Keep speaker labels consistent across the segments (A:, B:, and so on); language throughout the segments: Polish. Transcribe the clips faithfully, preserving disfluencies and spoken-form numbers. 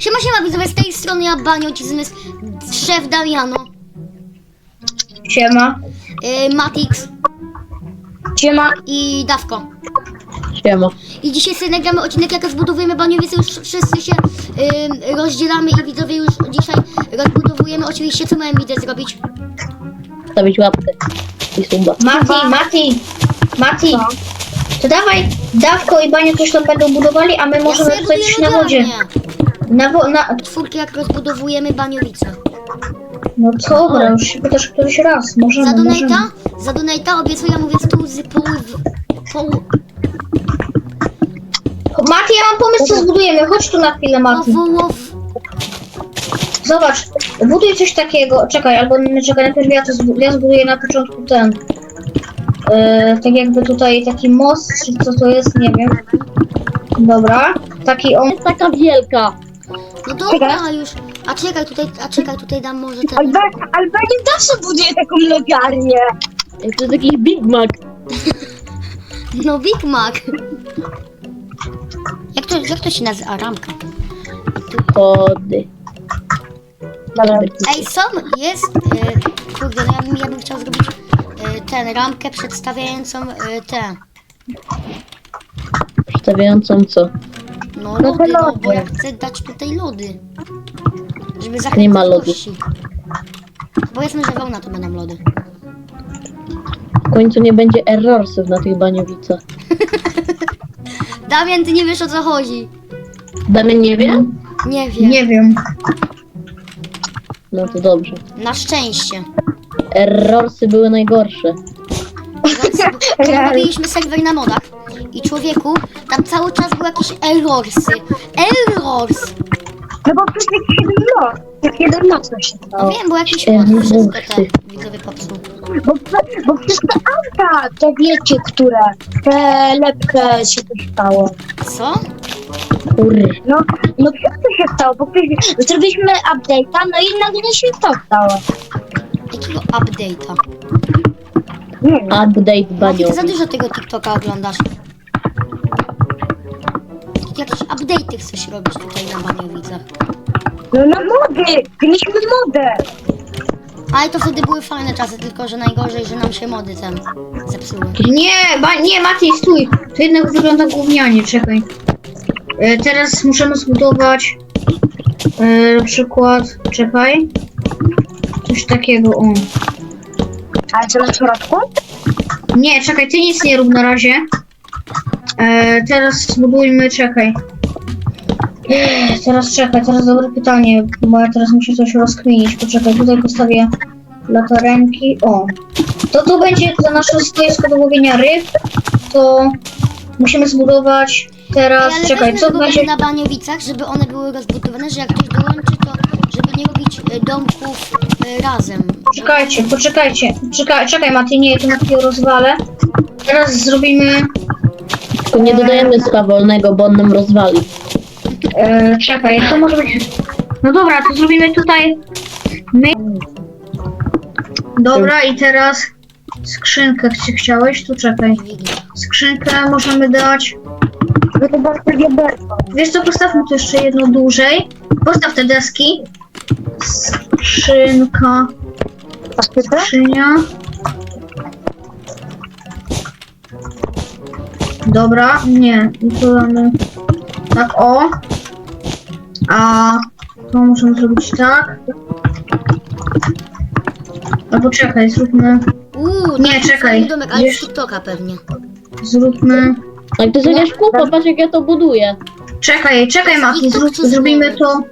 A: Siema, siema, widzowie, z tej strony ja, Banio, ci zmysł, szef Damiano,
B: Siema.
A: yy, Matix
B: Siema.
A: i Dawko.
C: Siema.
A: I dzisiaj sobie nagramy odcinek, jak rozbudowujemy Baniowice, już wszyscy się yy, rozdzielamy i widzowie już dzisiaj rozbudowujemy. Oczywiście, co mają widzę zrobić?
C: Stawić łapkę i suba.
B: Mati, Mati, Mati. To dawaj, Dawko i Bania coś tam będą budowali, a my możemy
A: ja sobie
B: tutaj
A: buduję
B: coś na wodzie.
A: lodziarnię.
B: Na wo na...
A: Czwórki, jak rozbudowujemy Baniowice.
B: No dobra, już się pytasz któryś raz.
A: Za
B: Możemy, możemy.
A: donata, za donata obiecuję, mówię stół z pół, pół,
B: Mati, ja mam pomysł, co zbudujemy. Chodź tu na chwilę, Mati.
A: powołow.
B: Zobacz, buduj coś takiego. Czekaj, albo nie, czekaj, najpierw ja to zbu ja zbuduję na początku ten. Yy, tak jakby tutaj taki most, czy co to jest, nie wiem. Dobra, taki on.
C: Jest taka wielka.
A: No dobra, już. A czekaj, tutaj, a czekaj, tutaj dam może ten.
D: Ale nie zawsze buduje taką logarnię.
C: To jest jakiś Big Mac.
A: No Big Mac. Jak to, jak to się nazywa? Ramka.
C: Kody.
A: Ej, są, jest, e, kurde, no ja bym, ja bym chciał zrobić e, ten, ramkę przedstawiającą e, te,
C: Przedstawiającą co?
A: no lody, no bo ja chcę dać tutaj lody. Żeby zachęcić
C: Nie ma lodu.
A: gości. Bo jasne, że wełna to będą lody.
C: W końcu nie będzie errorsów na tych Baniowicach.
A: Damian, ty nie wiesz, o co chodzi.
C: Damian nie wie?
A: Nie wiem.
B: Nie wiem.
C: No to dobrze.
A: Na szczęście.
C: Errorsy były najgorsze.
A: Robiliśmy serwer na modach i człowieku, tam cały czas były jakieś errorsy. Errors!
D: No bo przecież jak jeden noc, jak jeden noc to się
A: No
D: stało.
A: wiem, bo jakiś mod wszystko te widzowie popsuł.
D: Bo, bo przecież te auta, to wiecie, które, te lepsze się to stało.
A: Co?
C: Kurry.
D: No, no co to się stało? Bo przecież zrobiliśmy update'a, no i nagle się to stało.
A: Jakiego update'a?
D: Nie wiem.
C: Update
A: Mati, ty za
C: Baniowic.
A: dużo tego TikToka oglądasz. Jakieś update'y chcesz robić tutaj na Baniowicach.
D: No na mody, mieliśmy modę.
A: Ale to wtedy były fajne czasy, tylko że najgorzej, że nam się mody ten zepsuły.
B: Nie, ba nie, Mati, stój. To jednak wygląda gównianie, czekaj. E, teraz możemy zbudować e, na przykład, czekaj. Coś takiego, o.
D: Ale co na środku?
B: Nie, czekaj, ty nic nie rób na razie. E, teraz zbudujmy, czekaj. Ech, teraz czekaj, teraz dobre pytanie, bo ja teraz muszę coś rozkminić. Poczekaj, tutaj postawię latarenki. O, to tu będzie za nasze stoisko do łowienia ryb. To musimy zbudować teraz,
A: Ej, ale
B: czekaj,
A: weźmy
B: co
A: zbudować
B: będzie...
A: na Baniowicach, żeby one były rozbudowane, że jak ktoś dołączy, to żeby nie robić e, domków e, razem.
B: Czekajcie, poczekajcie. Czekaj, czekaj Mati, nie, to na chwilę rozwalę. Teraz zrobimy...
C: Tylko nie dodajemy swawolnego, bo on nam rozwali.
B: E, czekaj, to może być... No dobra, to zrobimy tutaj... My... Dobra, i teraz skrzynkę chci- chciałeś, tu czekaj. Skrzynkę możemy dać...
D: Bo to bardzo wiaderko.
B: Wiesz co, postawmy tu jeszcze jedno dłużej. Postaw te deski. Skrzynka... Skrzynia... Dobra, nie, i tu damy... Tak, o. A to możemy zrobić tak. Albo czekaj, zróbmy...
A: Uuu,
B: Nie,
A: taki
B: czekaj,
A: fajny domek, ale
B: wiesz-
A: z TikToka pewnie.
B: Zróbmy...
C: Jak to jest jakaś kupa, patrz jak ja to buduję.
B: Czekaj, czekaj Mati, zrób, zrobimy to...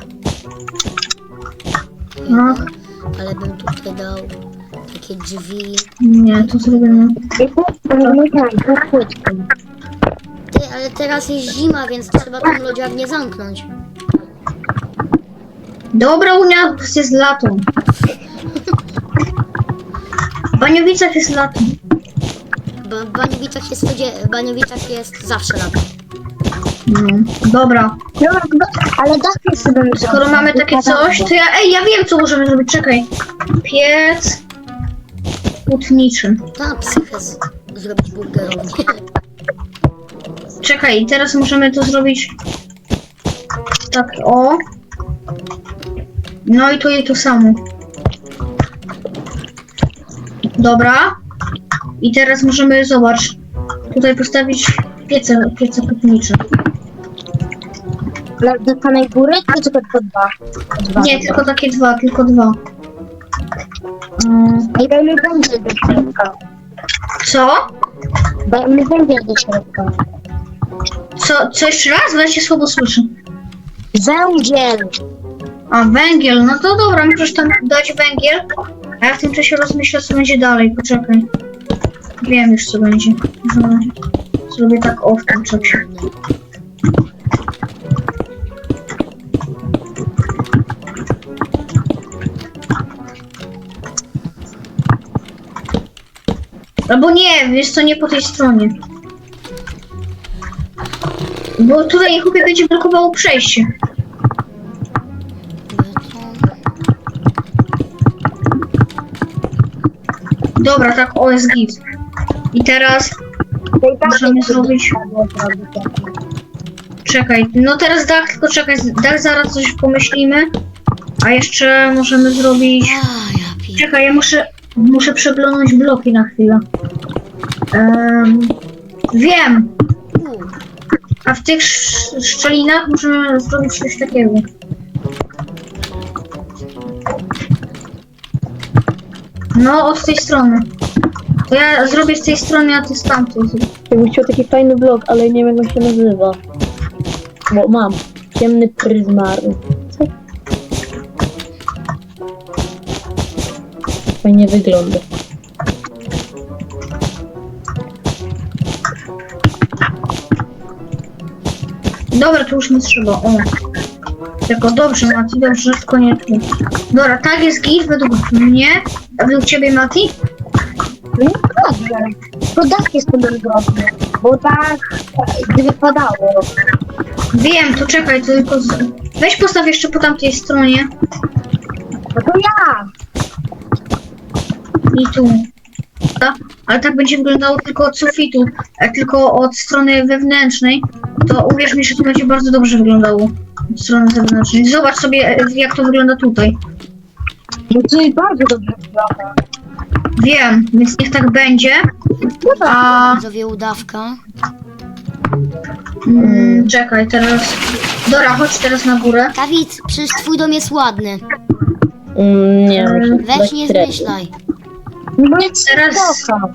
B: No,
A: Ale bym tutaj dał takie drzwi.
B: nie, to zrobimy...
A: Ty, ale teraz jest zima, więc trzeba tą lodziarnię zamknąć.
B: Dobra, Unia, jest lato. W Baniowicach jest lato.
A: Bo w Baniowicach jest, codzie- w Baniowicach jest zawsze lato.
B: No, dobra.
D: No, ale dach sobie bym
B: Skoro mamy takie coś, to ja... Ej, ja wiem co możemy zrobić, czekaj. Piec... hutniczy.
A: Ta psychę z- zrobić burgerownię.
B: Czekaj, teraz możemy to zrobić... Tak, o. No i tu i tu samo. Dobra. I teraz możemy, zobacz, tutaj postawić piece, piece putnicze.
D: Ale do samej góry, czy tylko to dwa? Dwa
B: Nie,
D: dobra.
B: tylko takie dwa, tylko dwa. Mm,
D: I dajmy węgiel do środka.
B: co?
D: Dajmy węgiel do środka.
B: Co, co jeszcze raz? Bo ja się słabo słyszę.
D: Węgiel!
B: A, węgiel, no to dobra, możesz tam dać węgiel. A ja w tym czasie rozmyślę, co będzie dalej, poczekaj. Wiem już, co będzie. Aha. Zrobię tak o w tym czasie. Albo nie, wiesz co, nie po tej stronie. Bo tutaj chłopie będzie blokowało przejście. Dobra, tak, o jest git. I teraz możemy zrobić... Czekaj, no teraz dach, tylko czekaj, dach zaraz coś pomyślimy. A jeszcze możemy zrobić...
A: A, ja piję.
B: Czekaj, ja muszę, muszę przeglądać bloki na chwilę. Um, wiem!
A: U,
B: A w tych sz- szczelinach możemy zrobić coś takiego. No, od tej strony. To ja zrobię z tej strony, a ty z tamtej.
C: Ja bym chciał taki fajny blok, ale nie wiem jak on się nazywa. Bo mam. Ciemny pryzmaryk. Co? Fajnie wygląda.
B: Dobra, to już nie trzeba, o. Tylko dobrze, Mati, dobrze, tylko nie tu. Dobra, tak jest git według mnie. A według ciebie, Mati?
D: No dobrze. To dach jest podróżny, bo tak gdyby padało.
B: Wiem, to czekaj, to tylko... Z... Weź postaw jeszcze po tamtej stronie.
D: No to ja!
B: I tu. Ta? Ale tak będzie wyglądało tylko od sufitu, a tylko od strony wewnętrznej. To uwierz mi, że to będzie bardzo dobrze wyglądało. Od strony zewnętrznej. Zobacz sobie, e, jak to wygląda tutaj.
D: No to i bardzo dobrze wygląda.
B: Wiem, więc niech tak będzie. A...
A: widzowie, udawka.
B: Mm, czekaj, teraz... Dora, chodź teraz na górę.
A: Dawid, przecież twój dom jest ładny.
C: Mm, nie wiem.
A: Weź nie zmyślaj.
D: No jest
B: Teraz-
D: spoko.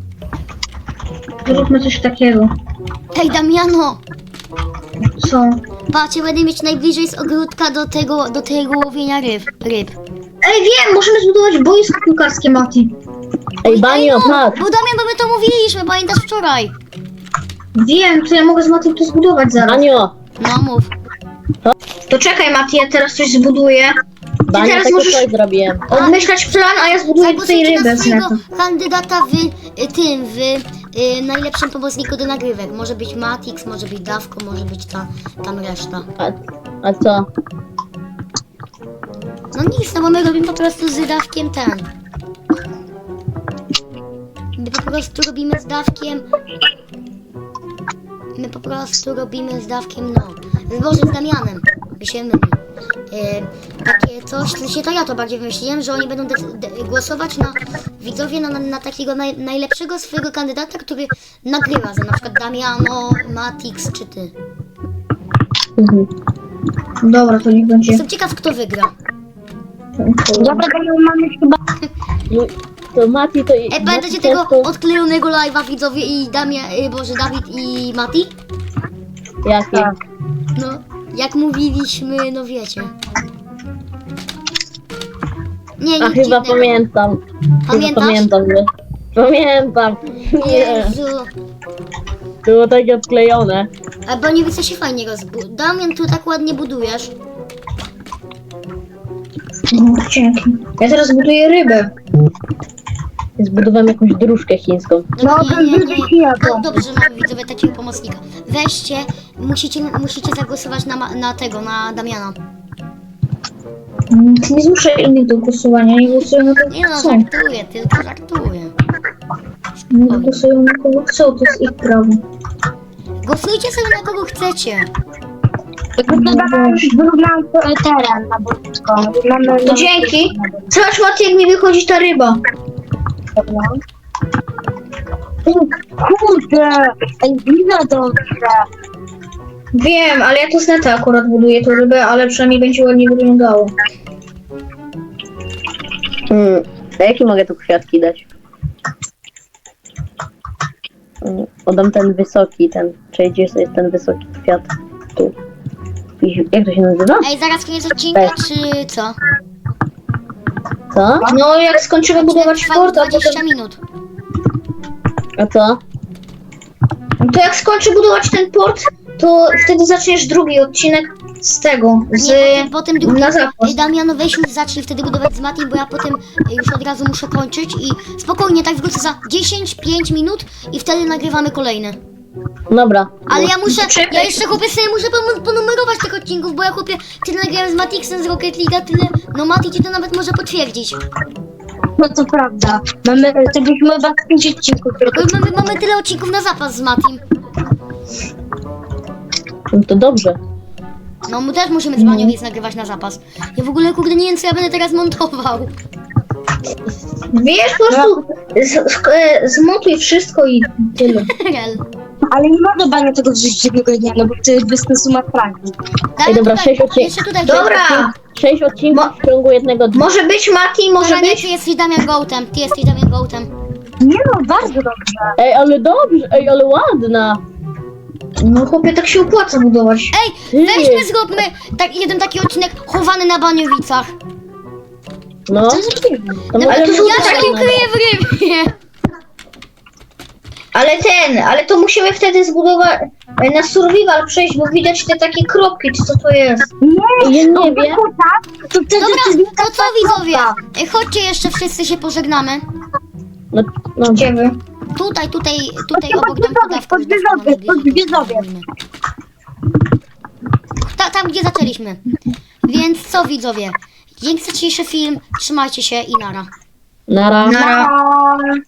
B: Zróbmy coś takiego.
A: Hej, Damiano!
B: Co?
A: Patrz, ja będę mieć najbliżej z ogródka do tego, do tego łowienia ryb. ryb.
B: Ej, wiem, możemy zbudować boisko piłkarskie, Mati.
C: Ej, Banio,
A: no,
C: patrz!
A: bo Damian, bo my to mówiliśmy, pamiętasz wczoraj?
B: Wiem, to ja mogę z Matim to zbudować zaraz.
C: Banio!
A: No mów.
B: To czekaj, Mati, ja teraz coś zbuduję.
C: Banio,
B: teraz
C: tego
B: możesz-
C: coś zrobiłem.
B: Odmyślać plan, a ja zbuduję tutaj
A: Zagłosujcie
B: rybę
A: na
B: z
A: swojego
B: neta.
A: kandydata w y, tym, w y, najlepszym pomocniku do nagrywek. Może być Matix, może być Dawko, może być ta, tam reszta.
C: A, a co?
A: No nic, no bo my robimy po prostu z Dawkiem ten. My po prostu robimy z Dawkiem... My po prostu robimy z Dawkiem, no... Z Boże, z Damianem. By się mylił. E, takie coś, w sensie to ja to bardziej wymyśliłem, że oni będą dec- de- głosować na widzowie na, na, na takiego naj, najlepszego swojego kandydata, który nagrywa, za na przykład Damiano, Matix czy ty.
C: Mhm.
B: Dobra, to niech będzie.
A: Jestem ciekaw, kto wygra.
D: Dobra, to mamy chyba...
C: No, to Mati to...
A: E, pamiętacie tego odklejonego live'a widzowie i Damia, y, Boże, Dawid i Mati?
C: Jaki?
D: Tak.
A: No, jak mówiliśmy, no wiecie. Nie,
C: A
A: nic
C: chyba
A: dziwnego.
C: pamiętam. Chyba
A: Pamiętasz?
C: pamiętam, że... Pamiętam! Nie!
A: Jezu.
C: Było takie odklejone.
A: A bo nie widzę się fajnie rozbu... Damian, tu tak ładnie budujesz.
B: No, dzięki. Ja teraz buduję rybę.
C: Zbudowałem jakąś dróżkę chińską.
D: No,
A: nie,
D: ten
A: nie, nie.
D: wyżej ja
A: No,
D: to.
A: dobrze, mamy widzowie takiego pomocnika. Weźcie, musicie, musicie zagłosować na, ma- na tego, na Damiana.
B: Mm, Nie zmuszę innych do głosowania, nie głosują na kogo
A: Nie no,
B: chcą.
A: żartuję, tylko żartuję.
B: Nie głosują na kogo chcą, to jest ich prawo.
A: Głosujcie sobie na kogo chcecie.
D: Wyrównałem wyrównałem teren na boczko. Mamy...
B: To dzięki. Zobacz, Mati, jak mi wychodzi ta ryba.
D: Kurde! Ej, widzę dobrze.
B: Wiem, ale ja to z neta akurat buduję tą rybę, ale przynajmniej będzie ładnie wyglądało.
C: Hmm. A jakie mogę tu kwiatki dać? Hmm, Oddam ten wysoki, ten. Czyli gdzie jest ten wysoki kwiat? Tu. I- Jak to się nazywa?
A: Ej, zaraz koniec odcinka, czy co?
C: Co?
B: No, jak skończymy budować
A: Trwało
B: fort, a
A: dwadzieścia
B: potem...
A: minut.
C: A co?
B: To jak skończy budować ten port, to wtedy zaczniesz drugi odcinek z tego, z...
A: Nie, potem, potem drugi.
B: na zapas.
A: Ej, Damian, weź już zacznij wtedy budować z Matim, bo ja potem e, już od razu muszę kończyć i spokojnie, tak wrócę za dziesięć pięć minut i wtedy nagrywamy kolejne.
C: Dobra.
A: Ale ja muszę,
B: Czekaj.
A: ja jeszcze chłopie sobie muszę pom- ponumerować tych odcinków, bo ja chłopie tyle nagrałem z Matixem z Rocket League'a, tyle, no Mati ci to nawet może potwierdzić.
D: No to prawda. Mamy, to byśmy chyba pięć odcinków
A: Bo mamy, mamy tyle odcinków na zapas z Matim.
C: No to dobrze.
A: No my też musimy z Maniowiec nagrywać na zapas. Ja w ogóle kurde nie wiem co ja będę teraz montował.
B: Wiesz, po prostu z, z, e, zmontuj wszystko i tyle.
A: Rel.
D: Ale nie można bania tego wrzucić jednego dnia, no bo to bez sensu ma fragi.
A: Daj,
C: dobra,
A: tutaj,
C: sześć odcinków.
A: jeszcze tutaj.
B: Dobra,
C: Sześć odcinków w ciągu jednego dnia.
B: może być Mati, może
A: Dobra, nie,
B: być...
A: ty jesteś Damian Gołtem, ty jesteś Damian Gołtem.
D: Nie no, bardzo dobrze.
C: Ej, ale dobrze, ej, ale ładna.
B: No chłopie, tak się opłaca budować.
A: Ej,
C: Ty.
A: weźmy zróbmy tak, jeden taki odcinek chowany na Baniowicach.
C: No.
D: Co zrobimy?
C: To
A: No,
C: może-
B: ale to są
A: ja się
B: takie-
A: ukryję w rybie.
B: Ale ten, ale to musimy wtedy zbudować, e, na survival przejść, bo widać te takie kropki, czy co to jest.
D: Nie,
C: Ja
D: no
C: nie
D: bo
C: wiem.
D: tak, to wtedy
A: Dobra,
D: to znika
A: to co widzowie?
D: kropka.
A: Ej, chodźcie jeszcze wszyscy się pożegnamy.
C: No, no.
B: Gdzie wy?
A: Tutaj, tutaj, tutaj
D: Chodźcie,
A: obok domku dawki.
D: pod wieżowiec, pod wieżowiec.
A: Ta, tam gdzie zaczęliśmy. Więc co widzowie? Dzięki za dzisiejszy film, trzymajcie się i nara.
C: Nara.
B: Nara.
D: Nara.